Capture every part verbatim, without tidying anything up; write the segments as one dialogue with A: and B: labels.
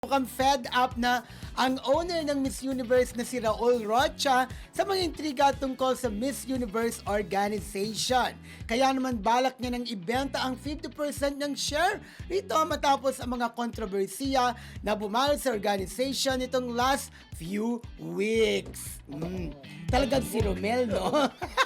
A: Mukhang fed up na ang owner ng Miss Universe na si Raul Rocha sa mga intriga tungkol sa Miss Universe organization. Kaya naman balak niya nang ibenta ang fifty percent ng share rito matapos ang mga kontrobersiya na bumalo sa organization nitong last few weeks. Mm. Talagang si Romel, no?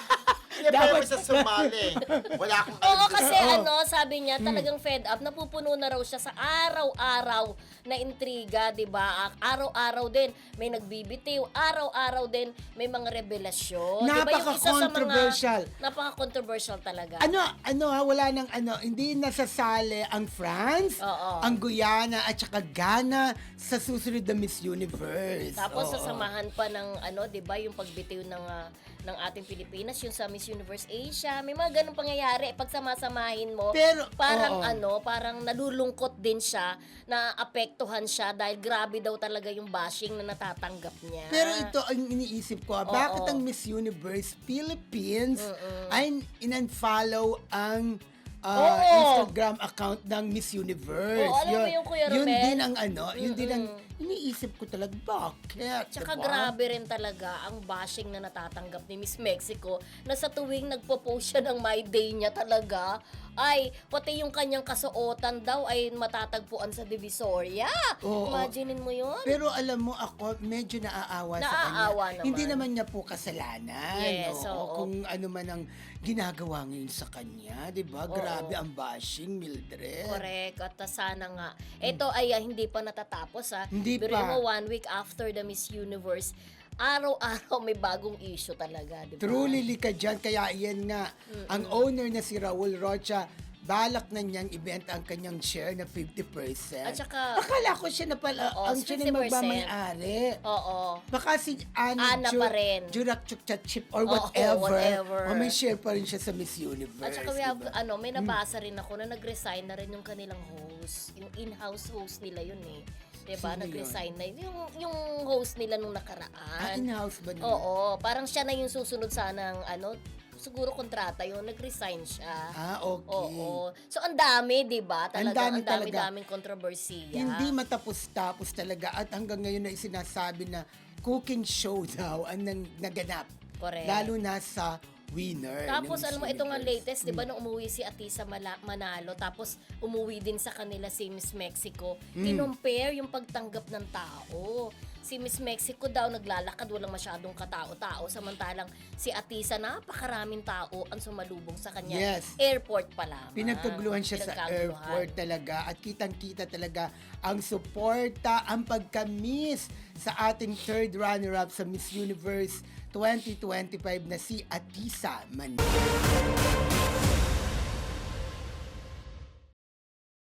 B: Dapat sa sumali. Wala akong
C: Oo, kasi
A: Oo.
C: ano, sabi niya, talagang fed up. Napupuno na raw siya sa araw-araw na intriga, di ba? Araw-araw din may nagbibitiw. Araw-araw din may mga revelasyon. Di ba? Yung isa sa mga-
A: Napaka-controversial.
C: Napaka-controversial talaga.
A: Ano, ano ha, wala nang ano, hindi nasasali ang France,
C: Oo.
A: ang Guyana at saka Ghana sa susunod na Miss Universe.
C: Tapos
A: Oo.
C: sasamahan pa ng ano, 'di ba, yung pagbitiw ng ah, ng ating Pilipinas, yung sa Miss Universe Asia. May mga ganung pangyayari pag sama-samahin mo.
A: Pero,
C: parang
A: oo.
C: ano, parang nalulungkot din siya, na apektuhan siya dahil grabe daw talaga yung bashing na natatanggap niya.
A: Pero ito ang iniisip ko, ah,
C: Oo.
A: bakit ang Miss Universe Philippines ay in-unfollow ang ah,
C: Oo.
A: Instagram account ng Miss Universe?
C: Oo, alam mo yung Kuya
A: Yun
C: Romel?
A: din ang ano, yun din ang iniisip ko talaga, bakit?
C: Tsaka
A: diba?
C: grabe rin talaga ang bashing na natatanggap ni Miss Mexico na sa tuwing nagpo-post siya ng My Day niya talaga, ay pati yung kanyang kasuotan daw ay matatagpuan sa Divisoria.
A: Oo.
C: Imaginin mo yun?
A: Pero alam mo ako, medyo naaawa, sa
C: Naaawa
A: kanya.
C: naman.
A: Hindi naman niya po kasalanan.
C: Yes,
A: oo.
C: oo.
A: Kung ano man ang ginagawa ngayon sa kanya, di ba? Grabe ang bashing, Mildred.
C: Correct. At uh, sana nga. Ito ay uh, hindi pa natatapos ha.
A: Hindi
C: Pero
A: pa.
C: mo, one week after the Miss Universe, araw-araw may bagong issue talaga, di ba?
A: Truly lika dyan. Kaya yan nga, ang owner na si Raul Rocha, balak na niyang ibenta ang kanyang share na fifty percent.
C: At saka-
A: akala ko siya na pala,
C: Oo,
A: ang siya na
C: fifty percent.
A: magmamayari.
C: Oo.
A: Baka si Ana,
C: Ana pa rin.
A: Jurak Chukchat Chip or
C: Oo,
A: whatever.
C: whatever.
A: O may share pa rin siya sa Miss Universe.
C: At saka we have,
A: diba?
C: ano, may nabasa rin ako na nag-resign na rin yung kanilang host. Yung in-house host nila yun eh. Diba?
A: Sino
C: Nag-resign na yun. Yung, yung host nila nung nakaraan.
A: Ah, in-house ba nila?
C: Oo. Parang siya na yung susunod sana ng, ano, siguro kontrata yung nag-resign siya.
A: Ah, okay.
C: Oo. So, ang dami, di ba?
A: Ang
C: Talaga,
A: dami
C: ang dami,
A: talaga.
C: daming kontrobersiya.
A: Hindi matapos-tapos talaga at hanggang ngayon na sinasabi na cooking show daw ang nang, naganap.
C: Correct.
A: Lalo na sa winner.
C: Tapos
A: ng
C: alam mo,
A: Miss
C: ito nga
A: Universe.
C: latest, di ba, nung umuwi si Atisa Mala- Manalo, tapos umuwi din sa kanila si Miss Mexico,
A: Mm.
C: kinompare yung pagtanggap ng tao. Si Miss Mexico daw naglalakad, walang masyadong katao-tao, samantalang si Atisa, napakaraming tao ang sumalubong sa kanya.
A: Yes.
C: Airport pa lamang.
A: Pinagkaguluhan siya sa
C: Pinagkaguluhan.
A: airport talaga at kitang-kita talaga ang suporta, ang pagka-miss sa ating third runner-up sa Miss Universe twenty twenty-five na si Atisa Manalo.